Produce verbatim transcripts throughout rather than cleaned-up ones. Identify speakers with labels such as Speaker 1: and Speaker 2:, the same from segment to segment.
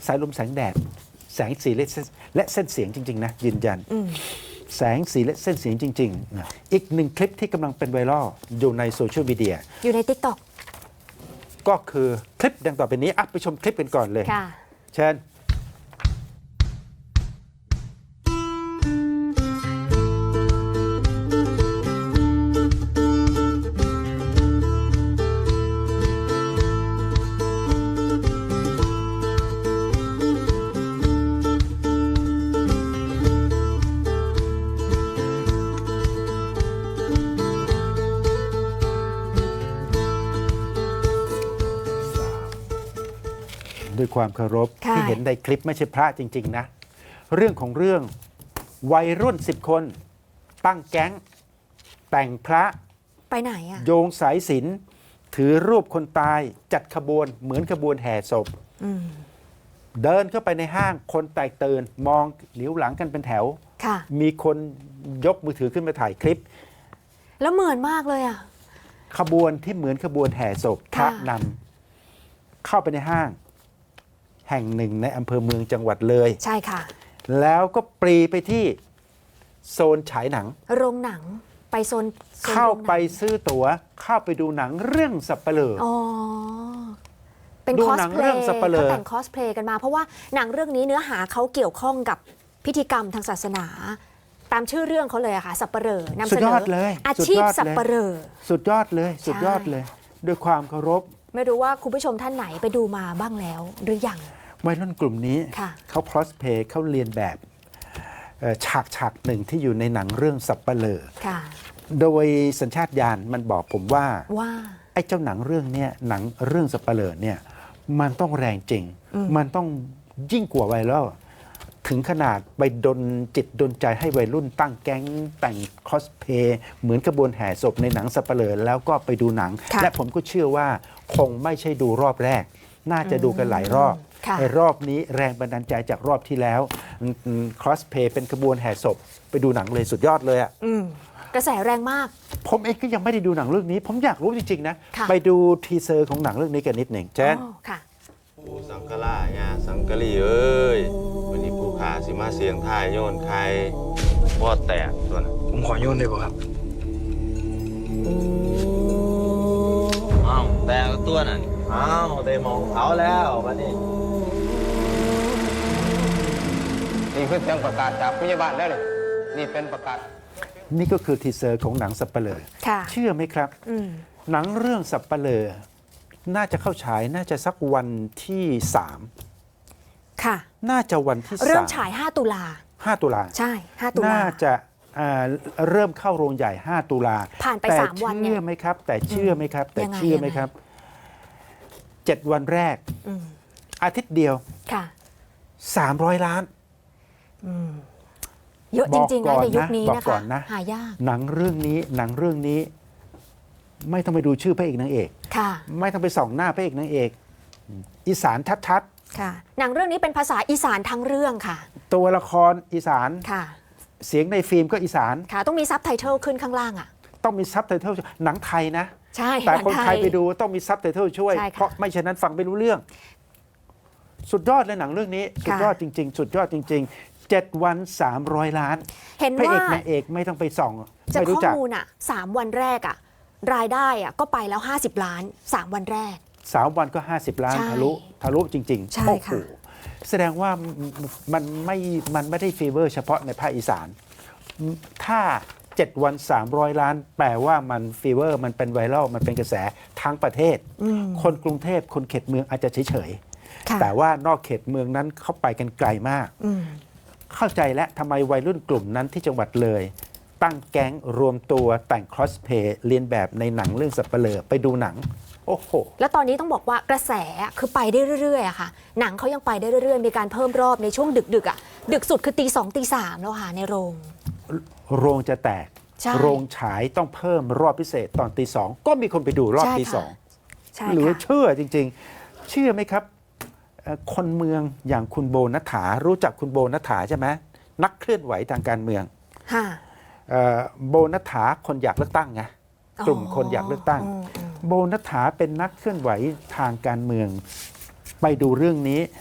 Speaker 1: สายลมแสงแดดแสงสีและและเส้นเสียงจริงๆนะยืนยันแสงสีและเส้นเสียงจริงๆอีกหนึ่งคลิปที่กำลังเป็นไวรัลอยู่ในโซเชียลมีเดีย
Speaker 2: อยู่ใน ติ๊กต็อก
Speaker 1: ก็คือคลิปดังต่อไปนี้อ่ะไปชมคลิปกันก่อนเลยเชิญด้วยความเคารพที่เห็นในคลิปไม่ใช่พระจริงๆนะเรื่องของเรื่องวัยรุ่นสิบคนตั้งแก๊งแต่งพระ
Speaker 2: ไปไหนอะ
Speaker 1: โยงสายสิญจน์ถือรูปคนตายจัดขบวนเหมือนขบวนแห่ศพเดินเข้าไปในห้างคนแตกตื่นมองเหลียวหลังกันเป็นแถวมีคนยกมือถือขึ้นมาถ่ายคลิป
Speaker 2: แล้วเหมือนมากเลยอะ
Speaker 1: ขบวนที่เหมือนขบวนแห่ศพพระนำเข้าไปในห้างแห่งหนึ่งในอำเภอเมืองจังหวัดเลย
Speaker 2: ใช่ค่ะ
Speaker 1: แล้วก็ปรีไปที่โซนฉายหนัง
Speaker 2: โรงหนังไปโซน
Speaker 1: เข้าไปซื้อตั๋วเข้าไปดูหนังเรื่องสัปเหร่ออ๋อ
Speaker 2: เป็นคอสเพลย์เขาแต่งคอสเพลย์กันมาเพราะว่าหนังเรื่องนี้เนื้อหาเขาเกี่ยวข้องกับพิธีกรรมทางศาสนาตามชื่อเรื่องเขาเลยอะค่ะสัปเหร่อนำเสนออาชีพสัปเหร่อ
Speaker 1: สุดยอดเลยสุดยอดเลยด้วยความเคารพ
Speaker 2: ไม่รู้ว่าคุณผู้ชมท่านไหนไปดูมาบ้างแล้วหรือยัง
Speaker 1: วัยรุ่นกลุ่มนี้เขาคอสเพลย์เขาเรียนแบบฉากฉากหนึ่งที่อยู่ในหนังเรื่องสัปเหร่อโดยสัญชาตญาณมันบอกผมว่า
Speaker 2: ว่า
Speaker 1: ไอ้เจ้าหนังเรื่องนี้หนังเรื่องสัปเหร่อเนี่ยมันต้องแรงจริงมันต้องยิ่งกว่าไวรัลถึงขนาดไปดนจิตดนใจให้วัยรุ่นตั้งแก๊งแต่งคอสเพลย์เหมือนกระบวนแห่ศพในหนังสัปเหร่อแล้วก็ไปดูหนังและผมก็เชื่อว่าคงไม่ใช่ดูรอบแรกน่าจะดูกันหลายรอบไอ้รอบนี้แรงบันดาลใจจากรอบที่แล้วคอสเพลย์เป็นกระบวนแห่ศพไปดูหนังเลยสุดยอดเลยอ่ะ
Speaker 2: กระแสแรงมาก
Speaker 1: ผมเองก็ยังไม่ได้ดูหนังเรื่องนี้ผมอยากรู้จริงๆนะไปดูทีเซอร์ของหนังเรื่องนี้กันนิดหนึ่งเช่น
Speaker 3: ปูสังกะลาญาสังกะลีเอ้ยวันนี้ปูขาสิมาเสียงทายโยนใครวอดแตกตัวน่ะ
Speaker 4: ผมขอโยนได้ป่ะครับ
Speaker 3: อ้าวแตกตัวนั่นอ้าวได้มองเขาแล้ววันนี้
Speaker 4: นี่คือเสียงประกาศจากพยาบาลได้เลยนี่เป็นประกาศ
Speaker 1: นี่ก็คือทีเซอร์ของหนังสัปเหร่อเชื่อไหมครับหนังเรื่องสัปเหร่อน่าจะเข้าฉายน่าจะสักวันที่สาม
Speaker 2: ค่ะ
Speaker 1: น่าจะวันที่
Speaker 2: เริ่มฉายห้าตุลา
Speaker 1: ห้าตุลา
Speaker 2: ใช่ห้าตุลา
Speaker 1: น่าจะเริ่มเข้าโรงใหญ่ห้าตุลา
Speaker 2: ผ่านไปสามวัน
Speaker 1: เนี่ยเชื่อไหมครับแต่เชื่อไหมครับแต่เชื่อไหมครับเจ็ดวันแรกอาทิตย์เดียว
Speaker 2: ค่ะ
Speaker 1: สามร้อยล้าน
Speaker 2: เยอะจริงๆนะในยุคนี้นะคะหายาก
Speaker 1: หนังเรื่องนี้หนังเรื่องนี้ไม่ต้องไปดูชื่อพระเอกนางเอก
Speaker 2: ค่ะ
Speaker 1: ไม่ต้องไปส่องหน้าพระเอกนางเอกอีสานชัด
Speaker 2: ๆค่ะหนังเรื่องนี้เป็นภาษาอีสานทั้งเรื่องค่ะ
Speaker 1: ตัวละครอีสาน
Speaker 2: ค่ะ
Speaker 1: เสียงในฟิล์มก็อีสาน
Speaker 2: ค่ะต้องมีซับไตเติลขึ้นข้างล่างอ่ะ
Speaker 1: ต้องมีซับไตเติลหนังไทยนะ
Speaker 2: ใช่
Speaker 1: แต่คนไทยไปดูต้องมีซับไตเติลช่วยเพราะไม่เช่นนั้นฟังไม่รู้เรื่องสุดยอดเลยหนังเรื่องนี้สุดยอดจริงๆสุดยอดจริงๆเจ็ดวันสามร้อยล้าน
Speaker 2: เห็นว่าพระ
Speaker 1: เอกนางเอกไม่ต้องไปส่อง
Speaker 2: จะข้อมูลอ่ะสามวันแรกอ่ะรายได้อ่ะก็ไปแล้วห้าสิบล้านสามวันแรก
Speaker 1: สามวันก็ห้าสิบล้านทะลุทะลุจริงๆ
Speaker 2: ใช่ค่ะ
Speaker 1: แสดงว่ามันไม่มันไม่ได้ฟีเวอร์เฉพาะในภาคอีสานถ้าเจ็ดวันสามร้อยล้านแปลว่ามันฟีเวอร์มันเป็นไวรัลมันเป็นกระแสทั้งประเทศคนกรุงเทพคนเขตเมืองอาจจะเฉยๆแต่ว่านอกเขตเมืองนั้นเข้าไปกันไกลมากเข้าใจและทำไมวัยรุ่นกลุ่มนั้นที่จังหวัดเลยตั้งแก๊งรวมตัวแต่งคอสเพลย์เรียนแบบในหนังเรื่องสัปเหร่อไปดูหนังโอ้โห
Speaker 2: แล้วตอนนี้ต้องบอกว่ากระแสคือไปได้เรื่อยๆอะค่ะหนังเขายังไปได้เรื่อยๆมีการเพิ่มรอบในช่วงดึกๆอะดึกสุดคือตีสองตีสามแล้วค่ะในโรง
Speaker 1: โรงจะแตกโรงฉายต้องเพิ่มรอบพิเศษตอนตีสองก็มีคนไปดูรอบตีสองหรือเชื่อจริงๆเชื่อไหมครับคนเมืองอย่างคุณโบนัฐฐารู้จักคุณโบนัฐฐาใช่ไหมนักเคลื่อนไหวทางการเมืองโบนัฐฐาคนอยากเลือกตั้งไงกลุ่มคนอยากเลือกตั้งโบนัฐฐาเป็นนักเคลื่อนไหวทางการเมืองไปดูเรื่องนี้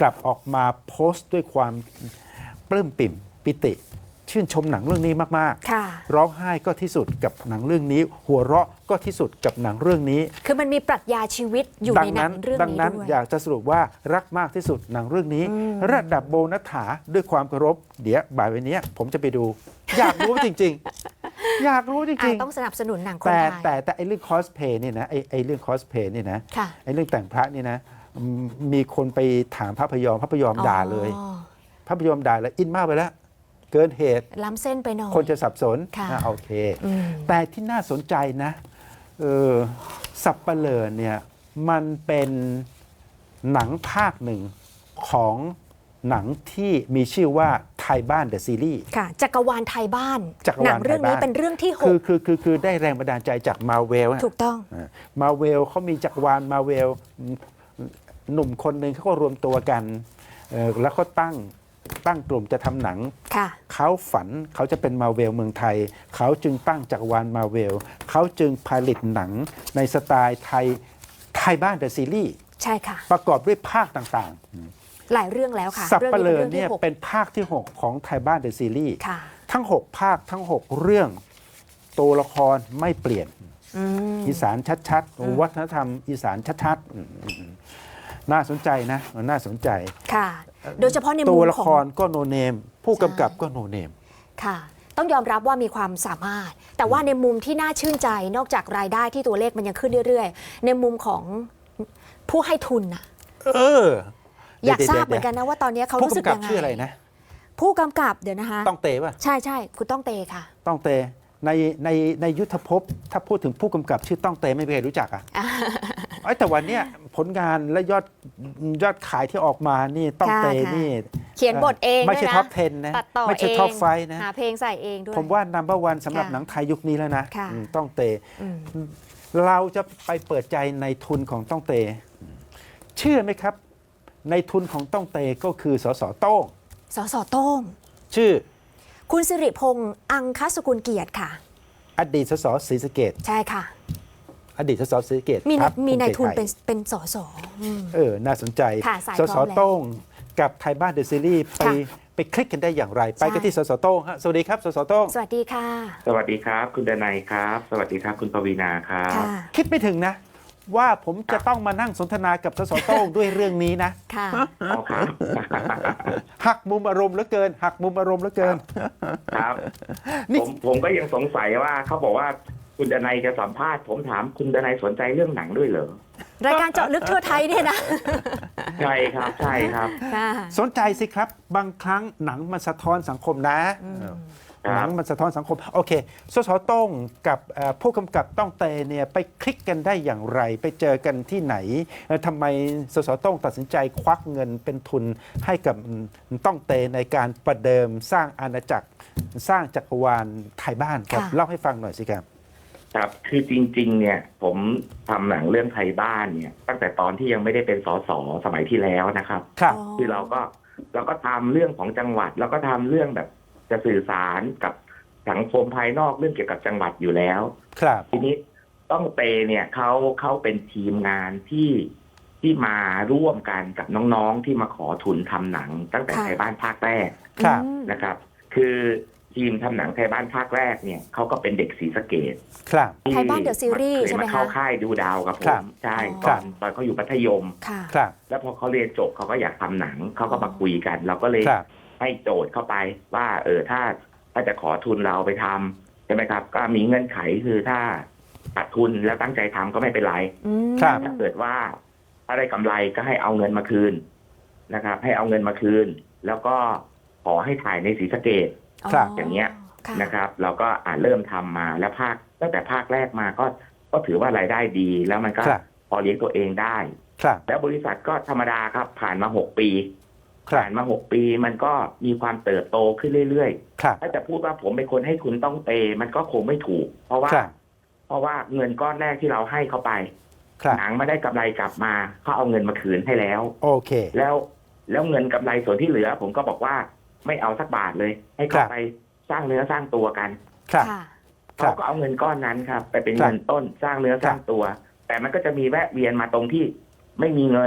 Speaker 1: กลับออกมาโพสต์ด้วยความปลื้มปิ่มปิติ ชื่นชมหนังเรื่องนี้มาก
Speaker 2: ค่ะ
Speaker 1: ๆ ร้องไห้ก็ที่สุดกับหนังเรื่องนี้ หัวเราะก็ที่สุดกับหนังเรื่องนี้
Speaker 2: คือมันมีปรัชญาชีวิตอยู่ในหนังเรื่อง
Speaker 1: ดัง
Speaker 2: นี้
Speaker 1: นั้น
Speaker 2: ด้วย
Speaker 1: อยากจะสรุปว่ารักมากที่สุดหนังเรื่องนี้ ระดับโบนัสถาด้วยความเคารพเดี๋ยวบ่ายวันนี้ผมจะไปดู อยากรู้จริง ๆ อยากรู้จ
Speaker 2: อ่ะ
Speaker 1: ริง
Speaker 2: ต้องสนับสนุนหนัง
Speaker 1: ๆ
Speaker 2: คน
Speaker 1: แต่
Speaker 2: ไทย
Speaker 1: แต่แต่ไอ้เรื่องคอสเพย์เนี่ยนะไอ้ไอ้เรื่องคอสเพย์เนี่ยนะ
Speaker 2: ค่ะ
Speaker 1: ไอ้เรื่องแต่งพระนี่นะอืมมีคนไปถามพระพยอมพระพยอมด่าเลย
Speaker 2: อ๋อ
Speaker 1: พระพยอมด่าแล้วอินมากไปแล้ว เกินเหตุ
Speaker 2: ล้ำเส้นไปหน่อย
Speaker 1: คนจะสับสน
Speaker 2: ค่ะ
Speaker 1: อ่ะโอเค
Speaker 2: อืม
Speaker 1: แต่ที่น่าสนใจนะเออสับเปลอเนี่ยมันเป็นหนังภาคหนึ่งของหนังที่มีชื่อว่าไทยบ้านเดอะซีรีส์
Speaker 2: ค่ะ จักรวาลไทยบ้าน
Speaker 1: จักรวาล
Speaker 2: หนังเรื่องนี้
Speaker 1: ไทยบ้าน
Speaker 2: เป็นเรื่องที่ห
Speaker 1: คือก คือคือคือได้แรงบันดาลใจจากมาเวล
Speaker 2: ถูกต้อง
Speaker 1: มาเวลเขามีจักรวาลมาเวลหนุ่มคนหนึ่งเขาก็รวมตัวกันเอ่อแล้วเขาตั้งตั้งกลุ่มจะทำหนัง
Speaker 2: ค่ะ
Speaker 1: เขาฝันเขาจะเป็นมาเวลเมืองไทย เขาจึงตั้งจักรวาลมาเวลเขาจึงผลิตหนังในสไตล์ไทยไทยบ้านเดอะซีรีส์
Speaker 2: ใช่ค่ะ
Speaker 1: ประกอบด้วยภาคต่าง
Speaker 2: หลายเรื่องแล้วค่ะ
Speaker 1: ๆ สับเปลือ
Speaker 2: รื่อง
Speaker 1: เนี่ย
Speaker 2: ป็นรื่องที่หก
Speaker 1: เป็นภาคที่ หก ของไทยบ้านเดอะซีรีส์
Speaker 2: ค่ะ
Speaker 1: ทั้ง หก ภาคทั้ง หก เรื่องตัวละครไม่เปลี่ยน
Speaker 2: อืม
Speaker 1: อีสานชัดๆ วัฒนธรรมอีสานชัดๆอืมน่าสนใจนะน่าสนใจ
Speaker 2: ค่ะ โดยเฉพาะในมุ
Speaker 1: ตัว
Speaker 2: ม
Speaker 1: ละ
Speaker 2: ข
Speaker 1: ค
Speaker 2: อง
Speaker 1: รก็โนเนม ผู้กำกับก็โนเนม
Speaker 2: ค่ะ ต้องยอมรับว่ามีความสามารถ แต่ว่าในมุมที่น่าชื่นใจนอกจากรายได้ที่ตัวเลขมันยังขึ้นเรื่อยๆ ในมุมของผู้ให้ทุนน่ะ
Speaker 1: เออ
Speaker 2: อยาก
Speaker 1: ดี๋ว
Speaker 2: ทราบ
Speaker 1: ดี๋ว
Speaker 2: เหมือนกันนะว่าตอนนี้เขา
Speaker 1: ผู้
Speaker 2: รู้สึก
Speaker 1: กำกับ
Speaker 2: ยังไง
Speaker 1: ชื่ออะไรนะ
Speaker 2: ผู้กำกับเดี๋ยวนะคะ
Speaker 1: ต้องเตป่ะ
Speaker 2: ใช่ใช่คุณต้องเตค่ะ
Speaker 1: ต้องเตในในในยุทธภพถ้าพูดถึงผู้กำกับชื่อต้องเตไม่มีใครรู้จักอ่ะไอ้ยแต่วันเนี้ยผลงานและยอดยอดขายที่ออกมานี่ต้องเต
Speaker 2: ค่ะ
Speaker 1: นี่
Speaker 2: เขียนบทเอง
Speaker 1: ไม่ใช่
Speaker 2: ด้วยนะ
Speaker 1: ท็อปสิบนะ
Speaker 2: ตัดต่อ
Speaker 1: ไม่ใช่
Speaker 2: เอง
Speaker 1: ท็อปไฟนะ
Speaker 2: หาเพลงใส่เองด้วย
Speaker 1: ผมว่านัมเบอร์วันสำหรับ
Speaker 2: ค่ะ
Speaker 1: หนังไทยยุคนี้แล้วนะ
Speaker 2: ค่ะ
Speaker 1: อืมต้องเต
Speaker 2: อืม
Speaker 1: เราจะไปเปิดใจในทุนของต้องเต เชื่อไหมครับ ในทุนของต้องเตก็คือสสโต้ง
Speaker 2: สสโต้ง
Speaker 1: ชื่อ
Speaker 2: คุณสิริพงษ์อังคสกุลเกียรติค่ะ
Speaker 1: อดีตสสศรีสะเกษ
Speaker 2: ใช่ค่ะ
Speaker 1: อดีตสสศรีสะเกษ
Speaker 2: มี
Speaker 1: พร
Speaker 2: ใน
Speaker 1: รค
Speaker 2: มีใน
Speaker 1: ภู
Speaker 2: ทุน
Speaker 1: ใจไทย
Speaker 2: เป็นเป็นสสอืม
Speaker 1: เออ น่าสนใจ
Speaker 2: ค่ะสาย
Speaker 1: ส
Speaker 2: พร้
Speaker 1: ส
Speaker 2: อมแล้ว
Speaker 1: โต้งกับไทยบ้านเดอะซีรีส์ไป
Speaker 2: ค่ะ
Speaker 1: ไปคลิกกันได้อย่างไร ไปกัน
Speaker 2: ใช่
Speaker 1: ที่สสโต้งฮะสวัสดีครับสสโต้ง
Speaker 2: สวัสดีค่ะ
Speaker 5: สวัสดีครับ คุณดนัยครับ สวัสดีครับ คุณปวีณาครับ
Speaker 2: ค่ะ
Speaker 1: คิดไม่ถึงนะ ว่าผมจะต้องมานั่งสนทนากับสสโต้งด้วยเรื่องนี้นะ
Speaker 2: ค่ะ
Speaker 5: อ๋อครับ
Speaker 1: หักมุมอารมณ์เหลือเกิน หักมุมอารมณ์เหลือเกิน
Speaker 5: ครับ
Speaker 1: นี่
Speaker 5: ผมผมก็ยังสงสัยว่าเขาบอกว่าคุณดนัยจะสัมภาษณ์ ผมถามคุณดนัยสนใจเรื่องหนังด้วยเหรอ
Speaker 2: รายการเจาะลึกทั่วไทยเนี่ยนะ
Speaker 5: ใช่ครับ ใช่ครับ
Speaker 2: ค่ะ
Speaker 1: สนใจสิครับ บางครั้งหนังมันสะท้อนสังคมนะ
Speaker 5: ค
Speaker 1: ห
Speaker 5: รั
Speaker 1: นั
Speaker 5: บ
Speaker 1: งมันสะท้อนสังคม โอเคสสโต้งกับเอ่อผู้กำกับต้องเตเนี่ยไปคลิกกันได้อย่างไร ไปเจอกันที่ไหนเอ่อทำไมสสโต้งตัดสินใจควักเงินเป็นทุนให้กับต้องเตในการประเดิมสร้างอาณาจักรสร้างจักรวาลไทยบ้านครับ
Speaker 2: ค่ะ
Speaker 1: เล่าให้ฟังหน่อยสิครับ
Speaker 5: ครับ คือจริง ๆ เนี่ย ผมทำหนังเรื่องไทยบ้านเนี่ย ตั้งแต่ตอนที่ยังไม่ได้เป็นสสสมัยที่แล้วนะครับ
Speaker 1: ครับ
Speaker 5: คือเราก็เราก็ทำเรื่องของจังหวัด แล้วก็ทำเรื่องแบบจะสื่อสารกับสังคมภายนอกเรื่องเกี่ยวกับจังหวัดอยู่แล้ว
Speaker 1: ครับ
Speaker 5: ทีนี้ต้องเตเนี่ยเขาเขาเป็นทีมงานที่ที่มาร่วมกันกับน้องๆที่มาขอทุนทำหนัง ตั้งแต่
Speaker 2: ค่ะ
Speaker 5: ไทยบ้านภาคแรก
Speaker 1: ครับ
Speaker 2: อืม
Speaker 5: นะครับ คือทีมทำหนังไทยบ้านภาคแรกเนี่ยเขาก็เป็นเด็กศรีสะเกษ
Speaker 1: ครับ
Speaker 5: ที่
Speaker 2: ไทยบ้าน The Series
Speaker 5: เคย
Speaker 2: ใช่ไหม
Speaker 5: มา
Speaker 2: คะ
Speaker 5: เข้าค่ายดูดาวกับผ
Speaker 1: ครั
Speaker 5: ม
Speaker 1: บ
Speaker 5: ใช่
Speaker 2: อ๋อ
Speaker 5: ตอนตอนเขาอยู่มัธยม
Speaker 2: ค่ะ
Speaker 1: ครับ
Speaker 5: แล้วพอเขาเรียนจบเขาก็อยากทำหนังเขาก็มาคุยกัน เราก็เลย
Speaker 1: ครับ
Speaker 5: ให้โจทย์เข้าไปว่า เออถ้าถ้าจะขอทุนเราไปทำใช่ไหมครับ ก็มีเงื่อนไขคือถ้าขาดทุนแล้วตั้งใจทำก็ไม่เป็นไร
Speaker 2: อืม
Speaker 1: ครับ
Speaker 5: ถ้าเกิดว่าถ้าได้กำไรก็ให้เอาเงินมาคืนนะครับ ให้เอาเงินมาคืน แล้วก็ขอให้ถ่ายในศรีสะเกษ
Speaker 1: ครับ
Speaker 5: อย่างเงี้ย
Speaker 2: ค่ะ
Speaker 5: นะครับ เราก็อ่าเริ่มทำมาแล้วภาคตั้งแต่ภาคแรกมาก็ก็ถือว่ารายได้ดี แล้วมันก็
Speaker 1: ครับ
Speaker 5: พอเลี้ยงตัวเองได้
Speaker 1: ครับ
Speaker 5: แล้วบริษัทก็ธรรมดาครับ ผ่านมาหกปี
Speaker 1: ครับ
Speaker 5: ผ่านมาหกปีมันก็มีความเติบโตขึ้นเรื่อย
Speaker 1: ครับ
Speaker 5: ๆ ถ้าจะพูดว่าผมเป็นคนให้ทุนต้องเตมันก็คงไม่ถูก เพราะว่า
Speaker 1: ครับ
Speaker 5: เพราะว่าเงินก้อนแรกที่เราให้เขาไป
Speaker 1: ครับ
Speaker 5: หนังไม่ได้กำไรกลับมาเขาเอาเงินมาคืนให้แล้ว
Speaker 1: โอเค
Speaker 5: แล้วแล้วเงินกำไรส่วนที่เหลือ ผมก็บอกว่าไม่เอาสักบาทเลย ให้
Speaker 1: ครั
Speaker 5: เขา
Speaker 1: บ
Speaker 5: ไปสร้างเนื้อสร้างตัวกัน
Speaker 1: ครับ
Speaker 2: ค่ะ
Speaker 1: ครั
Speaker 5: เขา
Speaker 1: บ
Speaker 5: ก็เอาเงินก้อนนั้นครับ ไปเป็น
Speaker 1: ครับ
Speaker 5: เงินต้นสร้างเนื้อสร้างตัว แต่มันก็จะมีแวะเวียนมาตรงที่ไม่มีเงิน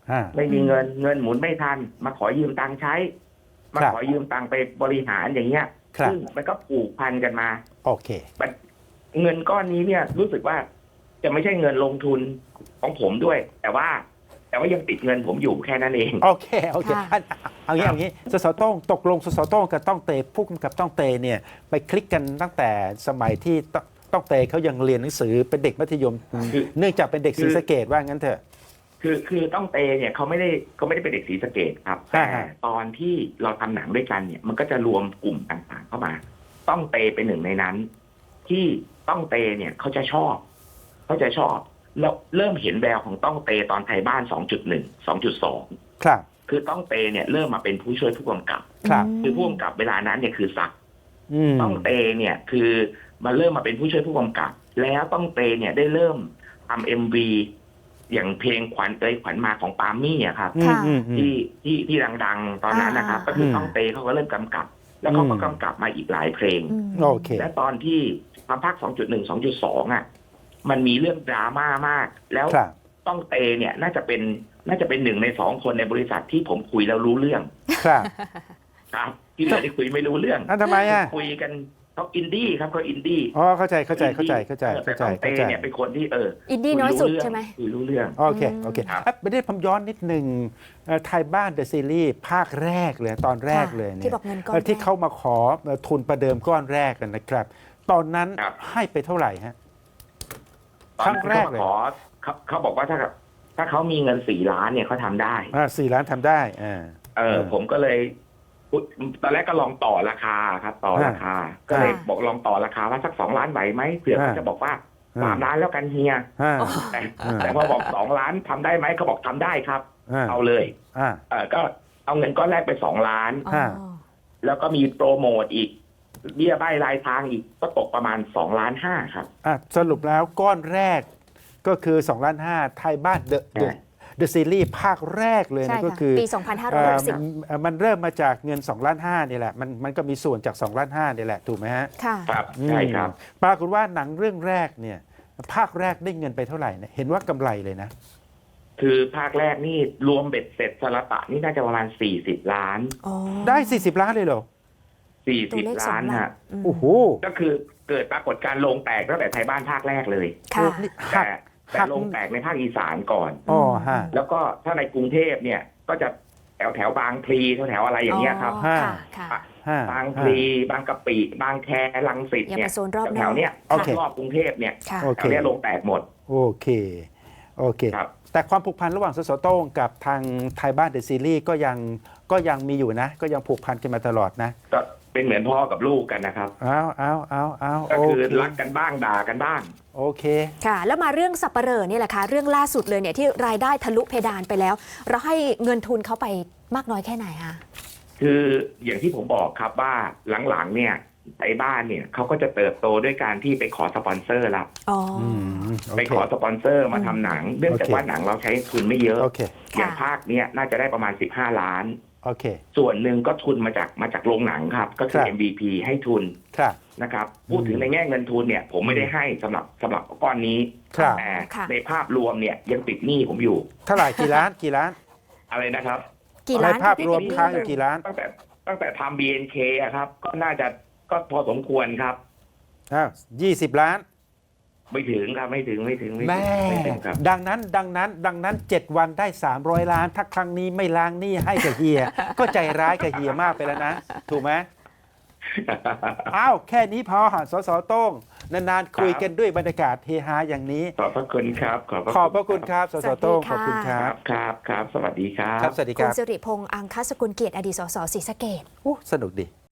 Speaker 1: อ่า
Speaker 5: ไม่มีเงินเงินหมุนไม่ทัน มาขอยืมตังค์ใช้ มา
Speaker 1: ครับ
Speaker 5: ขอยืมตังค์ไปบริหารอย่างเงี้ย
Speaker 1: ครับ
Speaker 5: ซึ่งมันก็ผูกพันกันมา
Speaker 1: โอเค
Speaker 5: เงินก้อนนี้เนี่ยรู้สึกว่าจะไม่ใช่เงินลงทุนของผมด้วย แต่ว่า แต่ว่ายังติดเงินผมอยู่แค่นั้นเอง
Speaker 1: โอเค โอเค
Speaker 2: ค่ะ
Speaker 1: อันเอางี้เอางี้สสโต้งตกลงสสโต้งกับต้องเตผู้กำกับต้องเตเนี่ยไปคลิกกันตั้งแต่สมัยที่ตต้องเตเขายังเรียนหนังสือเป็นเด็กมัธยม
Speaker 5: คือ
Speaker 1: เนื่องจากเป็นเด็ก
Speaker 5: คื
Speaker 1: ศรี
Speaker 5: อ
Speaker 1: สะเกดว่างั้นเถอะ
Speaker 5: คือคือต้องเตเนี่ยเขาไม่ได้เขาไม่ได้เป็นเด็กศรีสะเกดครับ
Speaker 1: อ่า
Speaker 5: แต่
Speaker 1: ฮะ
Speaker 5: ตอนที่เราทำหนังด้วยกันเนี่ย มันก็จะรวมกลุ่มต่างๆเข้ามา ต้องเตเป็นหนึ่งในนั้น ที่ต้องเตเนี่ยเขาจะชอบเขาจะชอบแล้วเริ่มเห็นแววของต้องเตตอนไทยบ้าน สองจุดหนึ่ง สองจุดสอง
Speaker 1: ครับ
Speaker 5: คือต้องเตเนี่ยเริ่มมาเป็นผู้ช่วยผู้กำกับ
Speaker 1: ครับ
Speaker 5: คือผู้กำกับเวลานั้นเนี่ยคือศักดิ์
Speaker 1: อืม
Speaker 5: ต้องเตเนี่ยคือมาเริ่มมาเป็นผู้ช่วยผู้กำกับ แล้วต้องเตเนี่ยได้เริ่มทำเอ็มวีอย่างเพลงขวัญเตยขวัญมาของปาล์มมี่อะครับ
Speaker 1: อืมอืมอืม
Speaker 5: ที่ที่ที่ดังๆ ตอนนั้นนะครับ
Speaker 2: อ่า
Speaker 5: ก็คืออ
Speaker 1: ม
Speaker 5: ต้องเตเขาก็เริ่มกำกับ แล้วเขาก็
Speaker 1: อืม
Speaker 5: กำกับมาอีกหลายเพลง
Speaker 2: อืม
Speaker 1: โอเค
Speaker 5: และตอนที่ทำภาค สองจุดหนึ่ง สองจุดสอง อ่ะ มันมีเรื่องดราม่ามาก แล้ว
Speaker 1: ครับ
Speaker 5: ต้องเตเนี่ยน่าจะเป็นน่าจะเป็นหนึ่งในสองคนในบริษัทที่ผมคุยแล้วรู้เรื่อง
Speaker 1: ครับ
Speaker 5: ครับ ที่เหลือที่คุยไม่รู้เรื่อง
Speaker 1: อ่ะทำไมอ่ะ
Speaker 5: คุยกันเขาอินดี้ครับเขาอินดี้
Speaker 1: อ๋อเข้าใจเข้าใจเข้าใจเข้าใจ
Speaker 5: แต่
Speaker 1: เข้าใจ
Speaker 5: ต้องเต
Speaker 1: เข้าใจ
Speaker 5: เนี่ยเป็นคนที่เออ
Speaker 2: อินดี้น้อยสุดใช่ไหม
Speaker 5: คุยรู้เรื่อง
Speaker 1: โอเคโอเค
Speaker 5: ครับ
Speaker 1: อ่ะไม่ได้ผมย้อนนิดหนึ่งเอ่อไทยบ้านเดอะซีรีส์ภาคแรกเลยตอนแรกเลยเนี่ย
Speaker 2: ที่บอกเงินก้อน
Speaker 1: เอ่อที่
Speaker 2: แรก
Speaker 1: เขามาขอเอ่อทุนประเดิมก้อนแรกกันนะครับ ตอนนั้น
Speaker 5: ครับ
Speaker 1: ให้ไปเท่าไหร่ฮะ
Speaker 5: ตอน
Speaker 1: ครั้งแรก
Speaker 5: เขา
Speaker 1: เลย
Speaker 5: มาขอเขาเขาบอกว่าถ้าถ้าเขามีเงินสี่ล้านเนี่ยเขาทำได้
Speaker 1: อ่าสี่ล้านทำได้อ่า
Speaker 5: เออ
Speaker 1: เออ
Speaker 5: ผมก็เลยพูดตอนแรกก็ลองต่อราคาครับ ต่อราคา ก็เลย
Speaker 2: อ่า
Speaker 5: บอกลองต่อราคาว่าสักสองล้านไหวไหมเผื่อเขา
Speaker 1: อ่า
Speaker 5: จะบอกว่า
Speaker 1: อ่า
Speaker 5: สามล้านแล้วกันเฮีย
Speaker 1: อ่า
Speaker 5: แต่
Speaker 1: อ่า
Speaker 5: แต่พอบอกสองล้านทำได้ไหมเขาบอกทำได้ครับ
Speaker 1: อ่า
Speaker 5: เอาเลย
Speaker 1: อ่า
Speaker 5: เออก็เอาเงินก้อนแรกไปสองล้าน
Speaker 2: อ๋อ
Speaker 1: ห้า
Speaker 5: แล้วก็มีโปรโมทอีกเบี้ยใบรายทางอีกก็ตกประมาณสองล้านห้าครับ
Speaker 1: อ่ะสรุปแล้วก้อนแรกก็คือสองล้านห้าไทยบ้านเดอะเดอะเดอะซีรีส์ภาคแรกเลย
Speaker 2: ใช่
Speaker 1: นะก็
Speaker 2: ค่ะ
Speaker 1: คือ
Speaker 2: ปี สองพันห้าร้อยหกสิบ
Speaker 1: เอ่อมันเริ่มมาจากเงินสองล้านห้านี่แหละมันมันก็มีส่วนจากสองล้านห้านี่แหละถูกไหมฮะ
Speaker 2: ค่ะ
Speaker 5: ครับใช่ครับ
Speaker 1: อืมปรากฏว่าหนังเรื่องแรกเนี่ยภาคแรกได้เงินไปเท่าไหร่เนี่ยเห็นว่ากำไรเลยนะ
Speaker 5: คือภาคแรกนี่รวมเบ็ดเสร็จสละตะนี่น่าจะประมาณสี่สิบล้าน
Speaker 2: อ๋อ
Speaker 1: ได้สี่สิบล้านเลยเหรอ
Speaker 5: สี่
Speaker 2: ตัว
Speaker 5: สิบ
Speaker 2: เลขสอ
Speaker 5: ล้าง น
Speaker 2: หลัก
Speaker 5: ฮะ
Speaker 2: อืม
Speaker 1: โอ้โห
Speaker 5: ก็คือเกิดปรากฏการณ์โรงแตกตั้งแต่ไทยบ้านภาคแรกเลย
Speaker 2: ค่ะ
Speaker 1: นี่
Speaker 5: แต่
Speaker 1: หัก
Speaker 5: แต่
Speaker 1: หัก
Speaker 5: โรงแตกในภาคอีสานก่อน
Speaker 1: อ๋อฮะ
Speaker 5: แล้วก็ถ้าในกรุงเทพเนี่ยก็จะแถวแถวบางพลีแถวแถวอะไรอย่างเงี้ยครับ
Speaker 2: ค่ะค่ะ
Speaker 1: ห้า
Speaker 5: บางพลีบางกะปิบางแครังสิต
Speaker 2: อย่า
Speaker 5: เนี่
Speaker 2: ไป
Speaker 5: ย
Speaker 2: โซนรอบน
Speaker 5: แถ
Speaker 2: อ
Speaker 5: ว
Speaker 2: ก
Speaker 5: ๆเนี้ย
Speaker 1: โอเค
Speaker 5: รอบกรุงเทพเนี่ย
Speaker 2: ค่ะ
Speaker 1: โอ
Speaker 5: แถ
Speaker 1: เค
Speaker 5: วเนี้ยโรงแตกหมด
Speaker 1: โอเคโอเค
Speaker 5: ครับ
Speaker 1: แต่ความผูกพันระหว่างสสโต้งกับทางไทยบ้านเดอะซีรีส์ก็ยังก็ยังมีอยู่นะ ก็ยังผูกพันกันมาตลอดนะ
Speaker 5: ก็เป็นเหมือนพ่อกับลูกกันนะครับ
Speaker 1: เอาเอาเอาเอา
Speaker 5: ก็
Speaker 1: โอ
Speaker 5: คือ
Speaker 1: เค
Speaker 5: รักกันบ้างด่ากันบ้าง
Speaker 1: โอเค
Speaker 2: ค่ะ แล้วมาเรื่องสับปะเหร่อนี่แหละค่ะ เรื่องล่าสุดเลยเนี่ยที่รายได้ทะลุเพดานไปแล้ว เราให้เงินทุนเขาไปมากน้อยแค่ไหนคะ
Speaker 5: คืออย่างที่ผมบอกครับว่าหลังๆเนี่ยไอ้บ้านเนี่ยเขาก็จะเติบโตด้วยการที่ไปขอสปอนเซอร์ละ
Speaker 2: อ๋อ
Speaker 1: อืมโอ
Speaker 5: ไป
Speaker 1: เค
Speaker 5: ขอสปอนเซอร์มาทำหนัง เนื่องจาก
Speaker 1: โอเค
Speaker 5: ว่าหนังเราใช้ทุนไม่เยอะ
Speaker 1: โอเค
Speaker 5: อย่าง
Speaker 2: ค่ะ
Speaker 5: ภาคเนี้ยน่าจะได้ประมาณสิบห้าล้าน
Speaker 1: โอเค
Speaker 5: ส่วนหนึ่งก็ทุนมาจากมาจากโรงหนังครับ ก็คือ
Speaker 1: ครับ
Speaker 5: เอ็ม วี พี ให้ทุน
Speaker 1: ครับ
Speaker 5: นะครับพูดถึงในแง่เงินทุนเนี่ย ผมไม่ได้ให้สำหรับสำหรับก้อนนี้
Speaker 1: ครับ
Speaker 5: แต่
Speaker 2: ค่ะ
Speaker 5: ในภาพรวมเนี่ยยังติดหนี้ผมอยู่
Speaker 1: เท่าไหร่กี่ล้านกี่ล้าน
Speaker 5: อะไรนะครับ
Speaker 2: กี่
Speaker 1: ใน
Speaker 2: ล้าน
Speaker 1: ภาพ
Speaker 2: พี่
Speaker 1: รวม
Speaker 2: พี่
Speaker 1: ค้างอยู่กี่ล้าน
Speaker 5: ตั้งแต่ตั้งแต่ทำ บี เอ็น เค อะครับ ก็น่าจะก็พอสมควรครับ
Speaker 1: อ้าวยี่สิบล้าน
Speaker 5: ไม่ถึงครับไม่ถึงไม่ถึงไม่
Speaker 1: แม่
Speaker 5: ถึงไม่ถึงครับ
Speaker 1: ดังนั้นดังนั้นดังนั้นเจ็ดวันได้สามร้อยล้าน ถ้าครั้งนี้ไม่ล้างหนี้ให้กับเฮีย ก็ใจร้ายกับเฮียมากไปแล้วนะ ถูกไหมอ้าวแค่นี้พอสสโต้งนานๆคุยกันด้วยบรรยากาศเฮฮาอย่างนี้
Speaker 5: ขอบพระคุณครับ ขอบ
Speaker 1: ขอบพระคุณครับสสโต้งขอบคุณค
Speaker 5: ค
Speaker 1: รั
Speaker 5: รับ บครับครับ สวัสดีครับ
Speaker 1: ครับสวัสดีค
Speaker 2: คุณ
Speaker 1: รับ
Speaker 2: สิริพงษ์อังคสกุลเกียรติอดีตสสศรีสะเกษ
Speaker 1: โอ้สนุกดี